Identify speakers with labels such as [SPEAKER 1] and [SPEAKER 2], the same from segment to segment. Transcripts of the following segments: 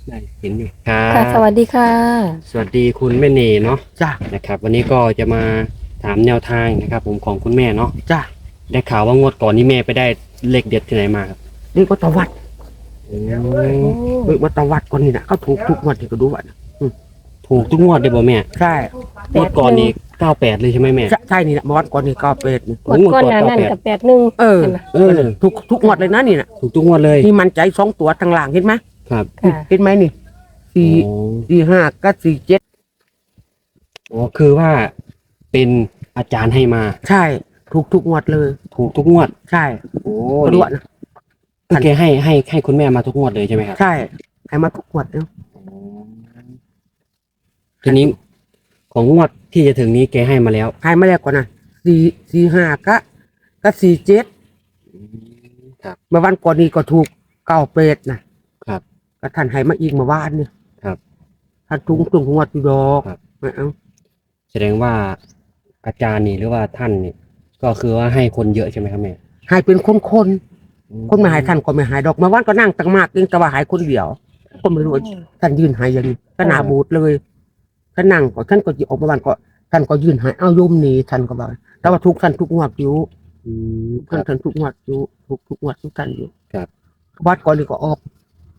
[SPEAKER 1] ได้เห็นอยู่ครั
[SPEAKER 2] ค่ะส
[SPEAKER 1] บ
[SPEAKER 2] วัสดีค่ะ
[SPEAKER 1] สวัสดีคุณแม่เนเนาะ
[SPEAKER 3] จ้ะ
[SPEAKER 1] นะครับวันนี้ก็จะมาถามแนวทางนะครับผมของคุณแม่เนาะ
[SPEAKER 3] จ้ะ
[SPEAKER 1] ได้ข่าวว่างวดก่อนนี้แม่ไปได้เลขเด็ดที่ไหนมาครับ
[SPEAKER 3] เรียกว่าตะวัด
[SPEAKER 1] โอ้
[SPEAKER 2] โอ้
[SPEAKER 3] เรียกว่าตะวัดก่อนนี่นะเขาถูกทุกงวดที่ก็ดูว่านะ
[SPEAKER 1] ถูกทุกงวดเลยบ่แม่
[SPEAKER 3] ใช่
[SPEAKER 1] งวดก่อนนี้98เลยใช่ไหมแม่
[SPEAKER 3] ใช่นี่นะเมื่อวันก่อนนี่ก็เป็ดนี่
[SPEAKER 2] หมดก้อนหนานั่นกับ81
[SPEAKER 3] เออ
[SPEAKER 2] ใช่ไหม
[SPEAKER 1] เออ
[SPEAKER 3] ทุกงวดเลยนะนี่นะ
[SPEAKER 1] ถูกทุกงวดเลย
[SPEAKER 3] นี่มันใจสองตัวทางหลังเห็นไหม
[SPEAKER 1] ครับ
[SPEAKER 2] ค่ะ
[SPEAKER 3] เห็นไหมนี่สี่
[SPEAKER 1] โอ้
[SPEAKER 3] 4 5ก็47
[SPEAKER 1] อ๋อคือว่าเป็นอาจารย์ให้มา
[SPEAKER 3] ใช่ทุกงวดเลย
[SPEAKER 1] ถูกทุกงวด
[SPEAKER 3] ใช่
[SPEAKER 1] โอ้
[SPEAKER 3] ก็ดูว่านะ
[SPEAKER 1] คือแกให้คุณแม่มาทุกงวดเลยใช่ไหมครับ
[SPEAKER 3] ใช่ให้มาทุกงวดแล้ว
[SPEAKER 1] ทีนี้ของงวดที่จะถึงนี้แกให้มาแล้ว
[SPEAKER 3] ให้มาแล้วก่อนนะ4 5ก็47
[SPEAKER 1] ครับ
[SPEAKER 3] เมื่อวันก่อนนี่ก็ถูก98นะครับ ก็ท่านให้มาอีกเมื่อวานเนี่ย
[SPEAKER 1] ครับ
[SPEAKER 3] ท่านทุกงวดอยู่ดอก
[SPEAKER 1] ครับ
[SPEAKER 3] ไม่เอา
[SPEAKER 1] แสดงว่าอาจารย์นี่หรือว่าท่านนี่ก็คือว่าให้คนเยอะใช่ไหมครับแม่
[SPEAKER 3] ให้เป็นคนไม่ให้ท่านก็ไม่ให้ดอกเมื่อวานก็นั่งตั้งมากเองแต่ว่าให้คนเดียวก็ไม่รู้ว่าท่านยืนให้อย่างนี้ก็หนาบูดเลยก็นั่งก็ท่านก็จะออกมาบ้านก็ท่านก็ยืนให้เอาโยมหนีท่านก็บอกแต่ว่าทุกท่านทุกงวดอยู่
[SPEAKER 1] ครั
[SPEAKER 3] ท่าน
[SPEAKER 1] บ
[SPEAKER 3] ท่านทุกงวดอยู่ทุกงวดทุกท่านอยู่
[SPEAKER 1] ครับ
[SPEAKER 3] วัดก่อนนี่ก็ออก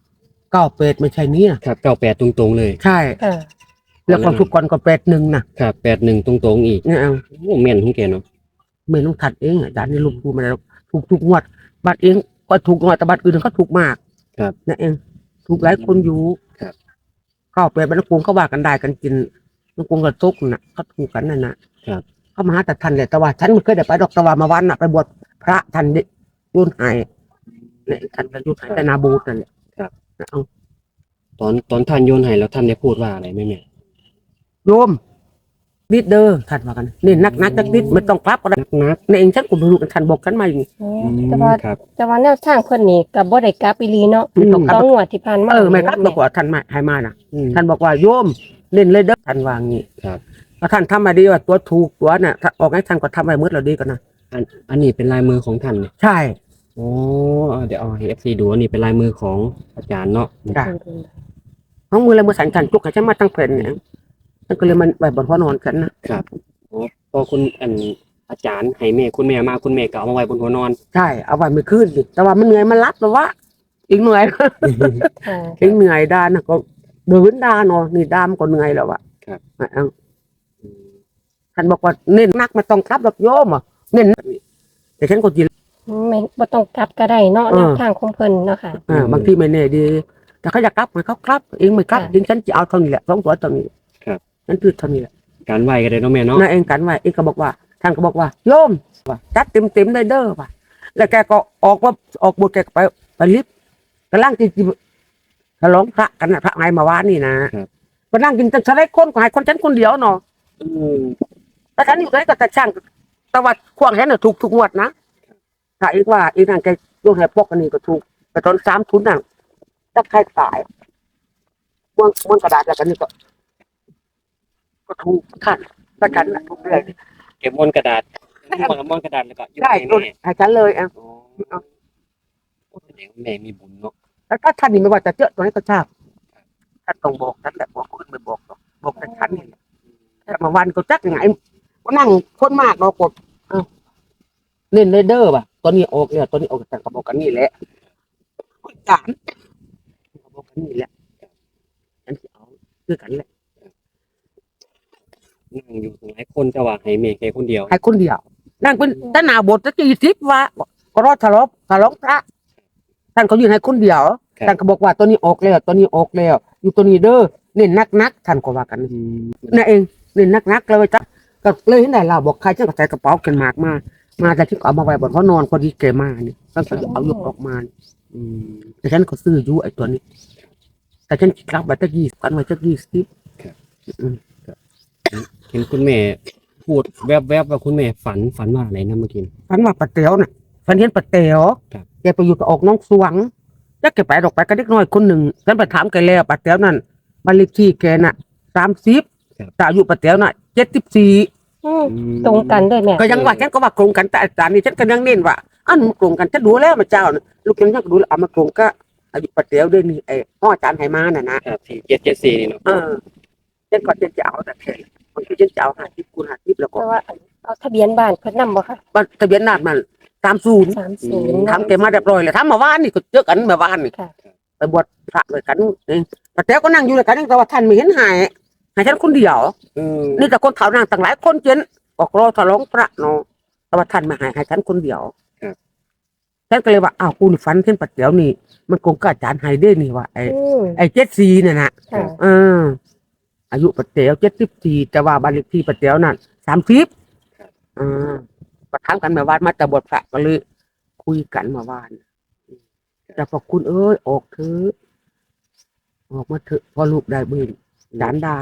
[SPEAKER 3] 98ไม่ใช่เนี่ย
[SPEAKER 1] ครับ98ตรงๆเลย
[SPEAKER 3] ใช่
[SPEAKER 2] ค่ะ
[SPEAKER 3] แล้วก็ทุกก่อนก็81นะครับ
[SPEAKER 1] 81ตรงๆอีก
[SPEAKER 3] เนี่ยเอา
[SPEAKER 1] โอ้แม่นของแกเนาะ
[SPEAKER 3] ไม่ต้องทัดเองอาจารย์นี่ลูกพูดมาแล้วทุกงวดบัตรเองก็ถูกงวดแต่บัตรอื่นเขาถูกมาก
[SPEAKER 1] ครับ
[SPEAKER 3] นั่นเองถูกหลายคนอยู่
[SPEAKER 1] ครับ
[SPEAKER 3] เข้าไปบรรกุงเขาว่ากันได้กันกินบรรกุงกับซุกน่ะเขาถูกกันนั่นนะครับ เขามาหาแต่ทันเลยแต่ว่าฉันไม่เคยได้ไปดอกแต่ว่ามาวันน่ะไปบวชพระทันดิยุ่นหายเนี่ยทันกันยุ่นหายแต่นาบูตนั่นแหละ
[SPEAKER 1] ครับ
[SPEAKER 3] เอา
[SPEAKER 1] ตอนท่านโยนให้แล้วท่านได้พูดว่าอะไรไหมแม่
[SPEAKER 3] โยมนิดเด้อท่านว่ากันนี่นักจักนิดไม่ต้องกลับก็ได้
[SPEAKER 1] นัก
[SPEAKER 3] ในเองฉันก็ไม่รู้กันท่านบอกกันมาอย่างนี้
[SPEAKER 2] โอ้
[SPEAKER 1] ๆ
[SPEAKER 2] แต่ว่า
[SPEAKER 1] ครับ
[SPEAKER 2] แต่ว่าแนวทางเพิ่นนี่กับบ่ได้กลับอีหลีเนาะ
[SPEAKER 3] ไม่ต้องกลับ
[SPEAKER 2] ต้องงวดที่ผ่านมา
[SPEAKER 3] ไม่กลับบอกว่าท่านมาให้มาน่ะ
[SPEAKER 1] อืม
[SPEAKER 3] ท่านบอกว่าโยมเล่นเลยเด้อท่านวาอย่างนี้
[SPEAKER 1] ครับ
[SPEAKER 3] ถ้าท่านทำมาดีว่าตัวถูกตัวน่ะถ้าออกให้ท่านก็ทำให้มืดเราดีกันนะ
[SPEAKER 1] อันนี้เป็นลายมือของท่านเนี่ย
[SPEAKER 3] ใช่
[SPEAKER 1] โอ้เดี๋ยวเอาให้ FC ดูอันนี้เป็นลายมือของอาจารย์เนาะ
[SPEAKER 3] จ้ะน้องมือเลยมือสันกันจุกให้ฉันมาตั้งแผ่นเนี่ยฉันก็เลยมันไปบนหัวนอนกันนะครับ
[SPEAKER 1] โอ้พอคุณอาจารย์ให้แม่คุณแม่มาคุณแม่ก็เอามาไว้บนหัวนอน
[SPEAKER 3] ใช่เอาไว้ไม่ขึ้นสิแต่ว่ามันเหนื่อยมันรับแต่ว่าอีกเหนื่อย
[SPEAKER 2] ค่ะ
[SPEAKER 3] อีกเหนื่อยด้านนะก็เดินด้านเนาะนี่ด้ามก็เหนื่อยแล้วอะ
[SPEAKER 1] ครับ
[SPEAKER 3] เอาท่านบอกว่าเน้นนักไม่ต้องกลับดอกโยมอ่ะเน้นแต่ฉันก็จี
[SPEAKER 2] ไม่บ่ต้องกลับก็ได้เนาะแนวทางของเพิ่นเนาะค่ะ
[SPEAKER 3] บางทีไม่แน่ดีแต่เขาอยากกลับมันเขากลับเองไม่กลับ
[SPEAKER 2] ค่ะ
[SPEAKER 3] จริงฉันจะเอาเท่านี้แหละสองตัวเท่านี้
[SPEAKER 1] ครับ
[SPEAKER 3] ฉันพูดเท่านี้แหละ
[SPEAKER 1] การไหวกันเลยเนาะแม่เนาะ
[SPEAKER 3] นายเองกันว่าเองก็บอกว่าท่านก็บอกว่าโยมว่าจัดเต็มได้เด้อว่ะแล้วแกก็ออกบทแกก็ไปลิฟต์กำลังกินฉลองพระกันนะพระไงมาวานนี่นะก็นั่งกินตั้งแต่คนก็ให้คนฉันคนเดียวเนาะ
[SPEAKER 1] อืม
[SPEAKER 3] แต่ฉันอยู่ตรงนี้ก็แต่ช่างแต่ว่าควงฉันน่ะถูกงวดนะถ้าอีกว่าอีกนั่นแกโยนให้พวกอันนี้ก็ถูกแต่ตอน3 ทุนนั่นถ้าใครตายม้วนกระดาษแล้วกันนี่ก็ถูกท่านถ้าฉันน่ะถูกเลย
[SPEAKER 1] เก็บม้วนกระดาษม้วนกระดาษแล้วก็โยน
[SPEAKER 3] ได้
[SPEAKER 1] ให้
[SPEAKER 3] โยน
[SPEAKER 1] แม่
[SPEAKER 3] ให้ฉันเลยอ่ะ
[SPEAKER 1] อ๋อแสดงว่าแม่มีบุญเนาะ
[SPEAKER 3] แล้วถ้าท่านนี่ไม่ว่าจะเจอตัวนี้ก็ทราบท่านต้องบอกท่านแหละบอกคนไม่บอกหรอกบอกแต่ฉันนี่แหละแต่มาวันก็จักยังไงก็นั่งคนมากเรากดเล่นเด้อป่ะตัวนี้ออกเลยตัวนี้ออกแต่ก็บอกกันนี่แหละคนจานก็บอกกันนี่แหละฉันจะเอาคือกันแหละ
[SPEAKER 1] นั่งอยู่หลายคนจะว่าให้แม่แค่คนเดียว
[SPEAKER 3] ให้คนเดียวนั่งเป็นด้านหน้าบทจะ40ว่าก็รอดทะเลาะพระท่านก็ยืนให้คนเดียวท่านก็บอกว่าตัวนี้ออกแล้วตัวนี้ออกแล้วอยู่ตัวนี้เด้อเน้นนักท่านก็ว่ากัน นั่นเองเล่นนักเลยจ้ะก็เลยเห็นได้เราบอกใครจะใส่กระเป๋าเกันหมากมาแต่ที่เอามาไว้บนเขานอนพอดีเกมานี่ก็จะเอายกออกมานี่
[SPEAKER 1] อืม
[SPEAKER 3] แต่ฉันก็ซื้ออยู่ไอ้ตัวนี้ แต่ฉันคิดรับไว้ตั้ง20กันไว้ตั้ง20
[SPEAKER 1] เห็นคุณแม่พูดแวบๆว่าคุณแม่ฝันว่าอะไรนะเมื่อกี้
[SPEAKER 3] ฝันว่าปะเตียวน่ะฝันเห็นปะเตียว
[SPEAKER 1] ครับ
[SPEAKER 3] แกไปอยู่กับออกน้องสวงแล้วแกไปดอกไปกับเด็กน้อยคนหนึ่งฉันไปถามแกแล้วปะเตียวนั่นบ้านเลขที่แกน่ะ30แต่อายุปะเตียวน่ะ74
[SPEAKER 2] อืมตรงกันด้วยแม่
[SPEAKER 3] ก็ยังว่าฉันก็ว่าโกงกันแต่อาจารย์นี่ฉันก็ยังเน้นว่าอันมันโกงกันฉันดูแล้วมาเจ้าน่ะลูกฉันยังดูแล้วเอามาโกงก็อาอายุปัดเดียวด้วยนี่ไอ้พ่ออาจารย์ไหมาน่ะนะครับ
[SPEAKER 1] 4774นี่เนาะ
[SPEAKER 3] เช่นก่อนเช่นจะเอาแต่แค่บางทีเช่นจะเอา50 คูณ 50แล้วก็
[SPEAKER 2] เพราะว่าเอาทะเบียนบ้านเพิ่นนำบ่ค่ะ
[SPEAKER 3] บ้านทะเบียนนาดมัน30
[SPEAKER 2] 30
[SPEAKER 3] ทำเต็มมาเรียบร้อยเลยทำมาว่านนี่ก็เจอกันมาว่านนี่
[SPEAKER 2] ค่ะ
[SPEAKER 3] ไปบวชพระเลยกันเองแต่แต้วก็นั่งอยู่เลยกันแต่ว่าท่านไม่เห็นหายฉันคนเดียว นี่แต่คนเขานั่งต่างหลายคนเจนบอกรอทะลองพระเนาะแต่ว่าท่านมาหายฉันคนเดียวฉันก็เลยว่าอ้าวกูนี่ฝันเห็นปัดเดียวนี่มันคงกอาจารย์ไฮเด้นี่ว่าไอ้74เนี่ยนะ
[SPEAKER 2] ค่ะ
[SPEAKER 3] อายุปัดเดียว74แต่ว่าบ้านเลขที่ปัดเดียวนั่น30ก็ถามกันมาว่านมาแต่บวชพระก็เลยคุยกันมาว่านแต่พอคุณเอ้ยออกเถอะออกมาเถอะพอลูกได้บุญจานดา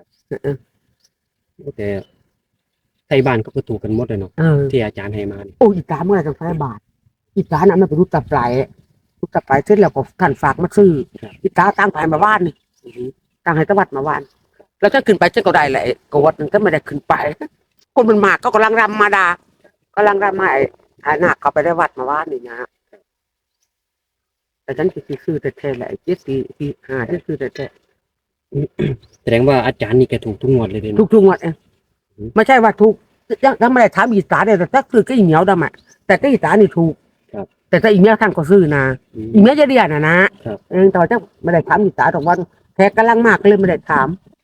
[SPEAKER 1] แต่ไทยบ้านก็คือถูกกันหมดเลยเนาะที่อาจารย์ให้มานี่
[SPEAKER 3] โอ้อีตาเมื่อไหร่จะใช้บาทอีตาน่ะมันเป็นรูปตาปลายเสร็จแล้วก็ท่านฝากมาซื้ออีตาตั้งภายมาบ้านนี่ตั้งให้ตะวัดมาบ้านแล้วถ้าขึ้นไปเจ้าก็ได้แหละกวัดนึงก็ไม่ได้ขึ้นไปคนมันมากก็กำลังรำมาดากำลังรำมาไอ้หนักเขาไปได้วัดมาบ้านนี่นะแต่ฉันคือซื้อแต่แท้แหละ7445ที่ซื้อแต่แท้
[SPEAKER 1] แสดงว่าอาจารย์นี่แกถูกทุกงวดเลยเนาะ
[SPEAKER 3] ทุกงวดเองไม่ใช่ว่าถูกยังไม่ได้ถามอีสานเลยแต่ถ้าซื้อก็อีเหนียวดำอ่ะแต่ก็อีสานนี่ถูกแต่ถ้าอีเมียท่านก็ซื้อนะอีเมียจะเรียนนะแต่ว่าจะไม่ได้ถามอีสานตรงวันแขกกำลังมากเลยไม่ได้ถาม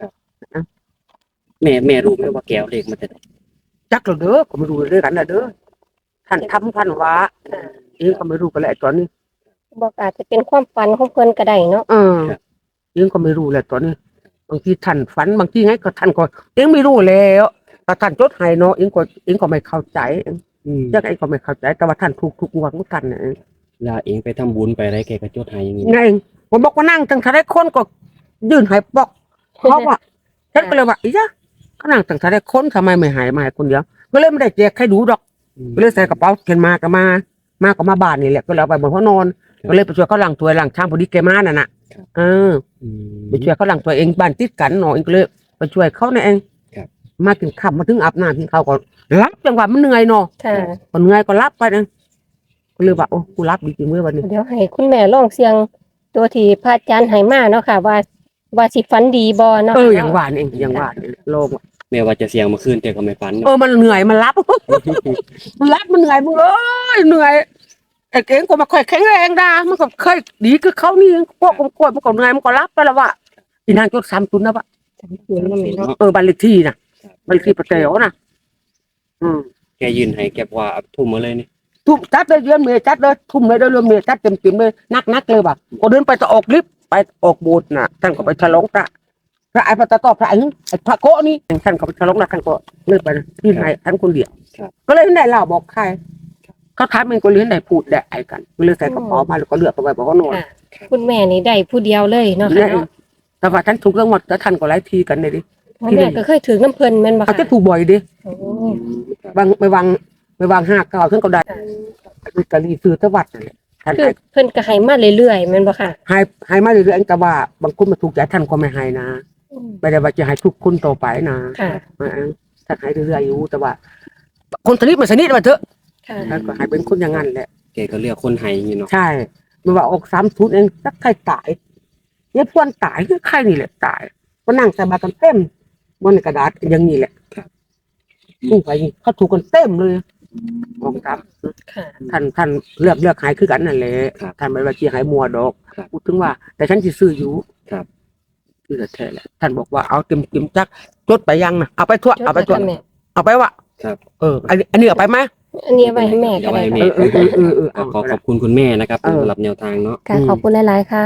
[SPEAKER 1] แม่รู้ไหมว่าแกเอาเลขมาจากไหน
[SPEAKER 3] จักเราเด้อก็ไม่รู้เรื่องกันนะเด้อท่านทำท่านว่าเองก็ไม่รู้กันแหละตอนนี้
[SPEAKER 2] บอกอาจจะเป็นความฝันของเพิ่นก็ได้เนาะ
[SPEAKER 3] เองก็ไม่รู้แหละตอนนี้บางทีท่านฝันบางทีไงก็ท่านก็เองไม่รู้แล้วแต่ท่านจดให้เนาะเองก็ไม่เข้าใจยังไงก็ไม่เข้าใจแต่ว่าท่านถูกทุกงวดของท่านนะ
[SPEAKER 1] เวลาเองไปทำบุญไปอะไรแกก็จดให้อย่างนี้
[SPEAKER 3] ไงผมบอกว่านั่งตั้งแต่ได้คนก็ยื่นให้บอกเพราะว่าฉันก็เลยว่าอีจ้ะก็นั่งตั้งแต่ได้คนทำไมไม่หายมาให้คนเดียวก็เลยไม่ได้แจกให้ดูดอกก็เลยใส่กระเป๋าเขียนมาก็มาบ้านนี่แหละก็เลยเอาไปบนห้องนอนก็เลยไปช่วยเขาล้างถ้วยล้างชามพอดีแกมาน่ะนะไปช่วยเขาล้างถ้วยเองบ้านติดกันเนาะเองก็เลยไปช่วยเขาเนี่ยเองมากินข้าวมาถึงอาบน้ำกินข้าวก็รับจังหวะมันเหนื่อยเนาะ
[SPEAKER 2] ค่ะ
[SPEAKER 3] พอเหนื่อยก็รับไปนะก็เลยว่าโอ้กูรับดีจริงเมื่อวันนี้
[SPEAKER 2] เดี๋ยวให้คุณแม่ลองเสียงตัวที่พระอาจารย์ให้มาเนาะค่ะ ว่าสิฝันดีบ่เนาะ
[SPEAKER 3] อย่างว่านี่เองอย่างว่านี่โลง
[SPEAKER 1] แม้ว่าจะเสียงมาคืนแต่ก็ไม่ฝัน
[SPEAKER 3] มันเหนื่อยมันรับ มันรับมันเหนื่อยมึงเอ้ยเหนื่อยไอ้เก่งก็มาค่อยแข็งแรงดามันก็เคยดีคือเขานี่พวกกล้วยมันก็เหนื่อยมันก็รับไปแล้วว่าอีนางจด30นะวะบ้านเลขที่นะบ้านเลขที่ปะเต๋อนะ
[SPEAKER 1] แกยืนให้แกว่าทุ่มมาเลยนี่
[SPEAKER 3] ทุ่มจัดเลยเดือนเมย์จัดเลยทุ่มเลยเดือนเมย์จัดเต็มเลยนักเลยว่ะก็เดินไปจะออกลิฟต์ไปออกโบสถ์น่ะท่านก็ไปฉลองพระไอ้พระตาตอบพระไอ้พระโกนี่ท่านก็ไปฉลองนะท่านก็เลิกไปที่ไหนท่านคนเดียวก็เลยได้เล่าบอกใครเขาถามมันก็เลี้ยงได้พูดได้ไอ้กันก็เลยใส่กระเป๋ามาแล้วก็เลือกไปไว้บอกว่านอน
[SPEAKER 2] คุณแม่นี่ได้ผู้เดียวเลยเนาะค่ะเนาะ
[SPEAKER 3] แต่ว่าท่านถูกเรื่องหมดแล้วท่านก็ไล่ทีกันเลยดิ
[SPEAKER 2] แม่ก็เคยถือน้ำเพิ่นแม่นบ่
[SPEAKER 3] เขา
[SPEAKER 2] ค่ะ
[SPEAKER 3] จะถูกบ่อยดิ
[SPEAKER 2] โอ้
[SPEAKER 3] ไปวาง59ท่านก็ได้กะลีซื้อตะวัดนั่นแหละท่าน
[SPEAKER 2] คือเพิ่นก็ให้มาเรื่อยๆแม่นบ่ค่ะ
[SPEAKER 3] ให้มาเรื่อยๆแต่ว่าบางคนมาถูกใจท่านก็ไม่ให้นะไม่ได้ว่าจะให้ทุกคนต่อไปนะ
[SPEAKER 2] ค่ะ
[SPEAKER 3] ท่านให้เรื่อยๆอยู่แต่ว่า คนสนิทมันสนิทมาเถอะ
[SPEAKER 2] ค่ะ
[SPEAKER 3] ท่านก็ให้เป็นคนอย่างนั้นแหละ
[SPEAKER 1] แกก็เลือกคนให้อย่างนี้เนาะ
[SPEAKER 3] ใช่ไม่ว่าออก30เองสักใครตายเนี่ยพวนตายคือใครนี่แหละตายก็นั่งใส่บาตรกันเต็มบนกระดาษอย่างนี้แหละไปเขาถูกกันเต็มเลยออกครับ
[SPEAKER 2] ค่ะ
[SPEAKER 3] ท่านเลือกหายคือกันนั่นแหละท่านไม่ว่าจะหายมัวดอกพูดถึงว่า แต่ฉันจะซื้ออยู่คือแท้แหละท่านบอกว่าเอาเต็มจักจดไปยังนะเอาไปทั่วเอาไปทั่วเอาไปวะอันนี้เอาไปไหม
[SPEAKER 2] อันนี้ไว้ให้แม่ก็ได้
[SPEAKER 1] ขอขอบคุณคุณแม่นะครับสำหรับแนวทางเนาะ
[SPEAKER 2] ค่ะขอบคุณหลายๆค่ะ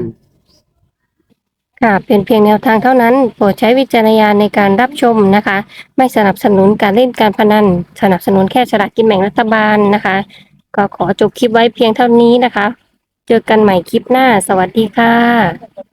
[SPEAKER 2] ค่ะเป็นเพียงแนวทางเท่านั้นโปรดใช้วิจารณญาณในการรับชมนะคะ ไม่สนับสนุนการเล่นการพนันสนับสนุนแค่ฉลากกินแบ่งรัฐบาลนะคะ ก็ขอจบคลิปไว้เพียงเท่านี้นะคะ เจอกันใหม่คลิปหน้าสวัสดีค่ะ